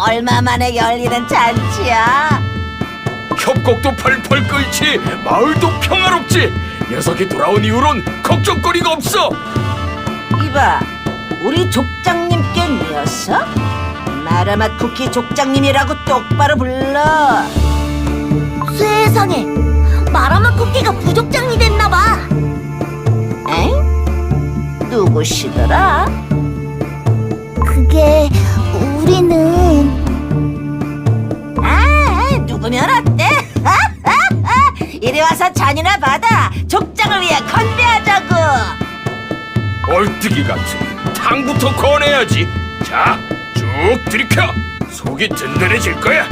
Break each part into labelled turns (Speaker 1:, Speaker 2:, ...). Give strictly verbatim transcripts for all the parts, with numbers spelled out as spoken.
Speaker 1: 얼마 만에 열리는 잔치야?
Speaker 2: 협곡도 펄펄 끓지, 마을도 평화롭지. 녀석이 돌아온 이후론 걱정거리가 없어.
Speaker 1: 이봐, 우리 족장님께 녀석? 마라맛 쿠키 족장님이라고 똑바로 불러.
Speaker 3: 세상에, 마라맛 쿠키가 부족장이 됐나봐.
Speaker 1: 엥? 누구시더라?
Speaker 3: 그게 우리는
Speaker 1: 아, 누구면 어때? 이리 와서 잔이나 받아. 족장을 위해 건배하자고.
Speaker 2: 얼뜨기 같은 탕부터 꺼내야지. 자, 쭉 들이켜. 속이 든든해질 거야.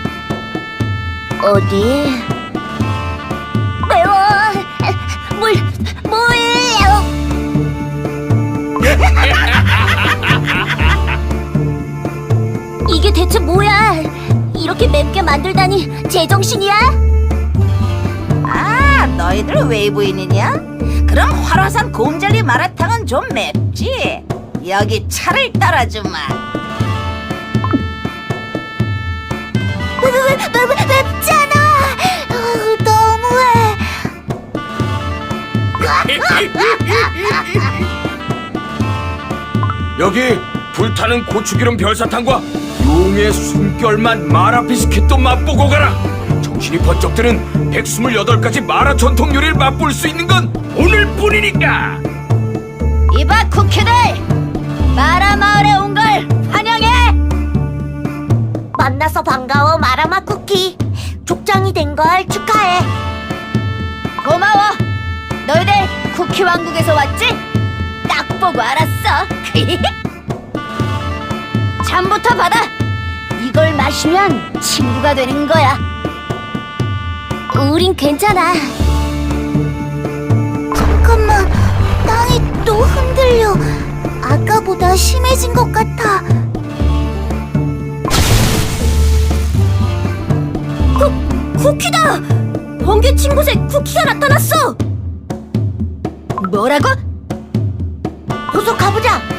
Speaker 3: 어디? 매워. 물, 물요. 이게 대체 뭐야? 이렇게 맵게 만들다니 제정신이야?
Speaker 1: 아, 너희들 웨이브인이냐? 그럼 활화산 곰젤리 마라탕은 좀 맵지? 여기 차를 따라주마.
Speaker 3: 맵, 맵, 맵, 맵잖아. 어, 너무해.
Speaker 2: 여기 불타는 고추기름 별사탕과 용의 숨결맛 마라 비스킷도 맛보고 가라. 정신이 번쩍 드는 백이십팔 가지 마라 전통 요리를 맛볼 수 있는 건 오늘뿐이니까.
Speaker 1: 이봐 쿠키들, 마라마을에 온 걸 환영해.
Speaker 3: 만나서 반가워, 마라맛 쿠키. 족장이 된 걸 축하해.
Speaker 1: 고마워. 너희들 쿠키 왕국에서 왔지? 딱 보고 알았어. 잠부터 받아. 이걸 마시면 친구가 되는 거야.
Speaker 3: 우린 괜찮아. 잠깐만, 땅이 또 흔들려. 아까보다 심해진 것 같아. 쿠, 쿠키다! 번개 친 곳에 쿠키가 나타났어!
Speaker 1: 뭐라고?
Speaker 3: 어서 가보자.